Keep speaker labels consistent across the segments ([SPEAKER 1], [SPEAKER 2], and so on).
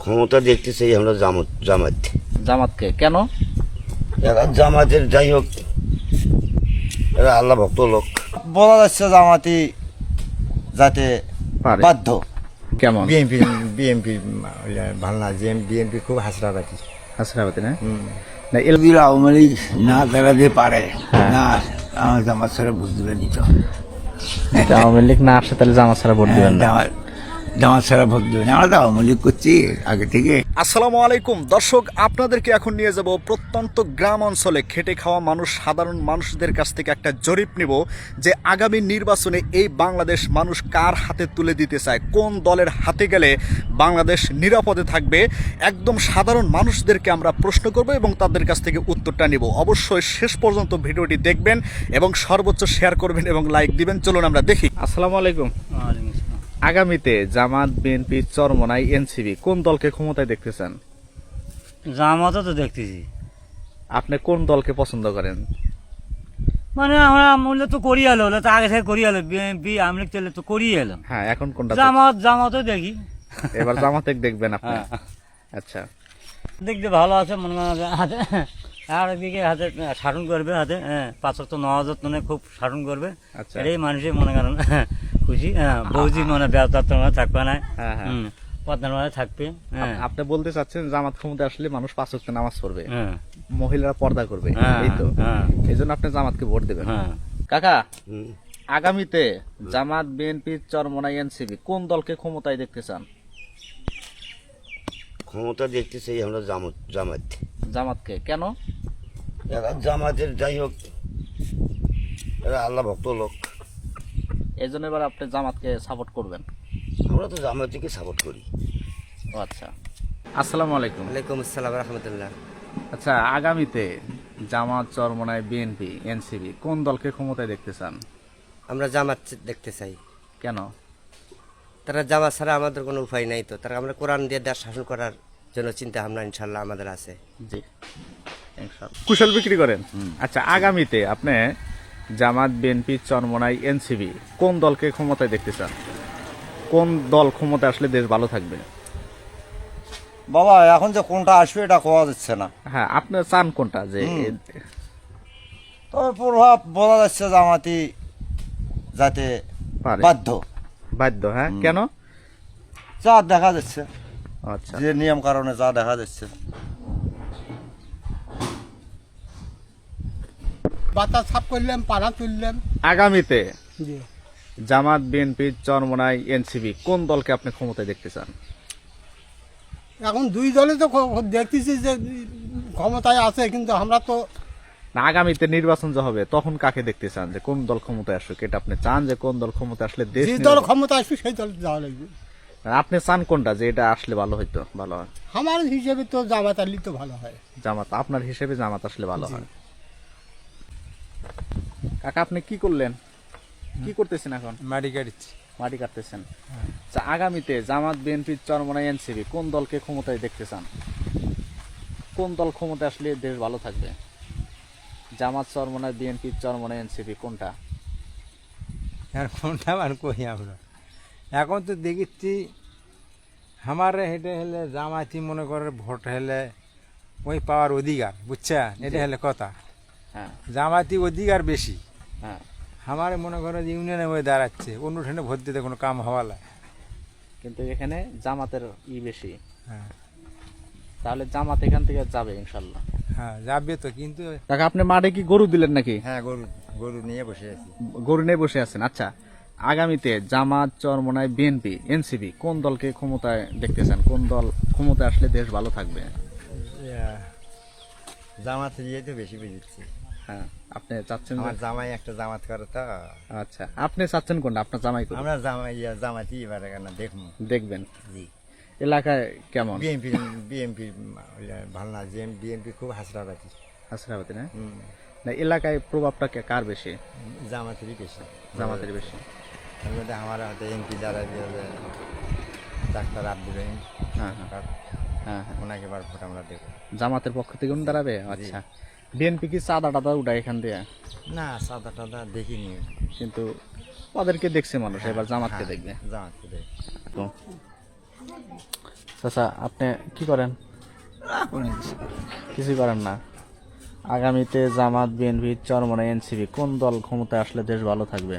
[SPEAKER 1] ক্ষমতা দেখতে চাই আমরা জামাত।
[SPEAKER 2] জামাতকে কেন?
[SPEAKER 1] এরা জামাতের যাই হোক, এরা আল্লাহ ভক্ত লোক।
[SPEAKER 3] বলা যাচ্ছে জামাতি যাতে
[SPEAKER 2] পারে।
[SPEAKER 3] বাধ্য।
[SPEAKER 2] কেমন?
[SPEAKER 3] বিএনপি ভালো না, যে বিএনপি খুব হাসরাবাদী।
[SPEAKER 2] হাসরাবাদী না?
[SPEAKER 1] যদি আওয়ামী লীগ না দাঁড়াতে পারে না, আমার জামাত ছাড়া ভোট দিবে দিত।
[SPEAKER 2] আওয়ামী লীগ না আসে তাহলে জামাত ছাড়া ভোট দিবেন না?
[SPEAKER 1] জামাত ছাড়া ভোট দিবে না। আমরা তো আওয়ামী লীগ করছি আগে থেকে।
[SPEAKER 4] আসসালামু আলাইকুম দর্শক, আপনাদেরকে এখন নিয়ে যাব প্রত্যন্ত গ্রাম অঞ্চলে খেটে খাওয়া মানুষ, সাধারণ মানুষদের কাছ থেকে একটা জরিপ নিব যে আগামী নির্বাচনে এই বাংলাদেশ মানুষ কার হাতে তুলে দিতে চায়, কোন দলের হাতে গেলে বাংলাদেশ নিরাপদে থাকবে। একদম সাধারণ মানুষদেরকে আমরা প্রশ্ন করব এবং তাদের কাছ থেকে উত্তরটা নিব। অবশ্যই শেষ পর্যন্ত ভিডিওটি দেখবেন এবং সর্বোচ্চ শেয়ার করবেন এবং লাইক দিবেন। চলুন আমরা দেখি।
[SPEAKER 2] আসসালামু আলাইকুম। আগামীতে জামাত, বিএনপি, চরমনাই, এনসিপি কোন দলকে ক্ষমতায় দেখতে চান?
[SPEAKER 5] জামাতও তো দেখতেছি।
[SPEAKER 2] আপনি কোন দলকে পছন্দ করেন?
[SPEAKER 5] মানে আমরা মূল্য তো করিয়ে এলো, তো আগে থেকে করিয়ে এলো, বিএনপি আমি চলে তো করিয়ে এলাম।
[SPEAKER 2] হ্যাঁ, এখন কোনটা?
[SPEAKER 5] জামাতও দেখি।
[SPEAKER 2] এবার জামাতে দেখবেন আপনি?
[SPEAKER 5] হ্যাঁ।
[SPEAKER 2] আচ্ছা,
[SPEAKER 5] দেখতে ভালো আছে, মনে করেন হাতে আর একদিকে হাতে শাসন করবে, হাতে পাঁচক তো 9,000 টনে খুব শাসন করবে।
[SPEAKER 2] আচ্ছা।
[SPEAKER 5] এটাই মানুষের মনে করেন খুশি। বৌজি মানে ব্যবতার থাকবে না,
[SPEAKER 2] হ্যাঁ, হ্যাঁ।
[SPEAKER 5] পদ্মার মানে থাকবে।
[SPEAKER 2] আপনি বলতে চাচ্ছেন জামাত ক্ষমতায় আসলে মানুষ 5 ওয়াক্ত নামাজ পড়বে,
[SPEAKER 5] হ্যাঁ,
[SPEAKER 2] মহিলারা পর্দা করবে,
[SPEAKER 5] হ্যাঁ,
[SPEAKER 2] এই তো?
[SPEAKER 5] হ্যাঁ।
[SPEAKER 2] এই জন্য আপনি জামাতকে ভোট দেবেন।
[SPEAKER 5] হ্যাঁ।
[SPEAKER 2] কাকা, আগামীতে জামাত, বিএনপি, চরমনাই, এনসিপি কোন দলকে ক্ষমতায় দেখতে চান?
[SPEAKER 1] ক্ষমতা দেখতে চাই আমরা জামাত।
[SPEAKER 2] জামাতকে কেন?
[SPEAKER 1] এরা জামাতের যাই হোক, এরা আল্লাহ ভক্ত লোক।
[SPEAKER 2] এই জন্য এবার আপনি জামাতকে সাপোর্ট করবেন?
[SPEAKER 1] আমরা তো জামাতকে সাপোর্ট করি।
[SPEAKER 2] ও আচ্ছা। আসসালামু আলাইকুম।
[SPEAKER 3] ওয়ালাইকুম আসসালাম রহমতুল্লাহ।
[SPEAKER 2] আচ্ছা, আগামীতে জামাত, চরমনাই, বিএনপি, এনসিপি কোন দলকে ক্ষমতায় দেখতে চান?
[SPEAKER 3] আমরা জামাত দেখতে চাই।
[SPEAKER 2] কেন?
[SPEAKER 3] তারা জামাত ছাড়া আমাদের কোনো উপায় নাই, তো তারা আমরা কোরআন দিয়ে দেশ শাসন করার জন্য চিন্তা ভাবনা ইনশাল্লাহ আমাদের আছে।
[SPEAKER 2] জি, ইনশাআল্লাহ। কুশল বিক্রি করেন। আচ্ছা, আগামীতে আপনি জামাত, বিএনপি, চরমনাই, এনসিপি কোন দলকে ক্ষমতায় দেখতে চান? কোন দল ক্ষমতায় আসলে দেশ ভালো থাকবে?
[SPEAKER 3] বাবা এখন যে কোনটা আসবে এটা কোয়া যাচ্ছে না।
[SPEAKER 2] হ্যাঁ, আপনি চান কোনটা? যে
[SPEAKER 3] তবে প্রভাব বলা যাচ্ছে জামাতি যাতে
[SPEAKER 2] পারে।
[SPEAKER 3] বাধ্য।
[SPEAKER 2] হ্যাঁ, কেন?
[SPEAKER 3] যা দেখা যাচ্ছে,
[SPEAKER 2] আচ্ছা,
[SPEAKER 3] যে নিয়ম কারণে যা দেখা যাচ্ছে।
[SPEAKER 6] বাতাস সাফ করলাম, পাড়া তুললাম।
[SPEAKER 2] আগামীতে জামাত, বিএনপি, চরমনাই, এনসিপি কোন দলকে আপনি ক্ষমতায় দেখতে চান?
[SPEAKER 6] এখন দুই দলে তো দেখতেছি যে ক্ষমতায় আছে, কিন্তু আমরা তো
[SPEAKER 2] না, আগামীতে নির্বাচন যে হবে তখন কাকে দেখতে চান, যে কোন দল ক্ষমতায় আসুক? এটা আপনি চান যে কোন দল ক্ষমতায় আসলে দেশ
[SPEAKER 6] যে দল ক্ষমতা আসবে সেই দল যাওয়া লাগবে।
[SPEAKER 2] আপনি চান কোনটা, যে এটা আসলে ভালো হইতো, ভালো হয়?
[SPEAKER 6] আমার হিসেবে তো জামাত আলী তো ভালো হয়।
[SPEAKER 2] জামাত। আপনার হিসেবে জামাত আসলে ভালো হয়। কাকা, আপনি কি করলেন? কি করতেছেন এখন?
[SPEAKER 3] মাটি কাটছি।
[SPEAKER 2] মাটি কাটতেছেন। আচ্ছা, আগামীতে জামাত, বিএনপি, চরমনাই, এনসিপি কোন দলকে ক্ষমতায় দেখতে চান? কোন দল ক্ষমতায় আসলে দেশ ভালো থাকবে? জামাত, চরমনাই, বিএনপি, চরমনাই, এনসিপি কোনটা?
[SPEAKER 7] আর কোনটা আর কই আমরা এখন তো দেখেছি আমার হেঁটে হলে জামাতি মনে করে ভোট হলে ওই পাওয়ার অধিকার, বুঝছেন? এটা হলে কথা।
[SPEAKER 2] হ্যাঁ,
[SPEAKER 7] জামাতি অধিকার বেশি।
[SPEAKER 2] হ্যাঁ।
[SPEAKER 7] আমার মনে করে যে ইউনিয়নে হয়ে দাঁড়াচ্ছে, অন্য ঠেনে ভোট দিতে কোনো কাম হওয়া লাগে।
[SPEAKER 2] কিন্তু এখানে জামাতের বেশি।
[SPEAKER 7] হ্যাঁ,
[SPEAKER 2] তাহলে জামাত এখান থেকে যাবে ইনশাল্লাহ।
[SPEAKER 7] হ্যাঁ যাবে তো, কিন্তু
[SPEAKER 2] কাকা, আপনি মাঠে কি গরু দিলেন নাকি?
[SPEAKER 3] হ্যাঁ, গরু নিয়ে বসে আছি।
[SPEAKER 2] গরু নিয়ে বসে আছেন। আচ্ছা, আগামীতে জামাত, চরমনাই, বিএনপি, এনসিপি কোন দলকে ক্ষমতায় দেখতে চান? কোন দল ক্ষমতায় আসলে দেশ ভালো থাকবে?
[SPEAKER 3] জামাত দিয়ে তো বেশি বুঝেছি।
[SPEAKER 2] হ্যাঁ, আপনি চাচ্ছেন?
[SPEAKER 3] আমার জামাই একটা জামাত করে তো।
[SPEAKER 2] আচ্ছা, আপনি চাচ্ছেন কোনটা? আপনার জামাই কোন?
[SPEAKER 3] আমরা জামাতি এবারে কেন দেখবো।
[SPEAKER 2] দেখবেন।
[SPEAKER 3] জি।
[SPEAKER 2] এলাকায় কেমন?
[SPEAKER 3] বিএনপি ভালো না, যে বিএনপি খুব হাসরাবাদী।
[SPEAKER 2] হাসরাবাদী না? না, এলাকায় প্রভাবটা কার বেশি?
[SPEAKER 3] জামাতেরই বেশি।
[SPEAKER 2] জামাতের বেশি।
[SPEAKER 3] তার মধ্যে আমার হাতে এমপি যারা ডাক্তার আব্দুর রহিম,
[SPEAKER 2] হ্যাঁ, হ্যাঁ, হ্যাঁ, হ্যাঁ।
[SPEAKER 3] ওনাকে এবার ভোট আমরা দেবো।
[SPEAKER 2] জামাতের পক্ষ থেকে উনি দাঁড়াবে? আচ্ছা, বিএনপি কি চাঁদা টাদা উঠায় এখান দিয়ে?
[SPEAKER 3] না, সাদা টাদা দেখিনি,
[SPEAKER 2] কিন্তু ওদেরকে দেখছে মানুষ, এবার জামাতকে দেখবে।
[SPEAKER 3] জামাতকে দেবে।
[SPEAKER 2] তো চাচা আপনি কি করেন?
[SPEAKER 1] না কোনো কিছু না।
[SPEAKER 2] কিছুই করেন না। আগামীতে জামাত, বিএনপি, চরমনাই, এনসিপি কোন দল ক্ষমতায় আসলে দেশ ভালো থাকবে?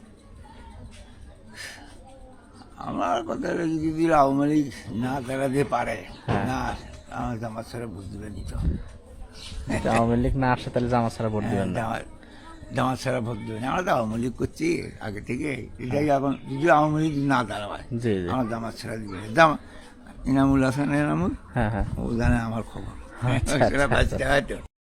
[SPEAKER 1] আমার কথা হলো যদি আওয়ামী লীগ না দাঁড়াতে পারে, না আমার জামাত ছাড়া ভোট দিবে দিত।
[SPEAKER 2] যদি আওয়ামী লীগ না আসে তাহলে জামাত ছাড়া ভোট দিবেন না?
[SPEAKER 1] জামাত ছাড়া ভোট দিবে না। আমরা তো আওয়ামী লীগ করছি আগে থেকে, এটাই এখন যদি আওয়ামী লীগ না দাঁড়ায়
[SPEAKER 2] জি জি।
[SPEAKER 1] আমার জামাত ছাড়া দিবে না। ইনামুল হাসান এনামুল
[SPEAKER 2] হ্যাঁ হ্যাঁ।
[SPEAKER 1] ও জানে আমার খবর।
[SPEAKER 2] আচ্ছা,
[SPEAKER 1] সেটা
[SPEAKER 2] আচ্ছা,
[SPEAKER 1] বাঁচতে হয় তো।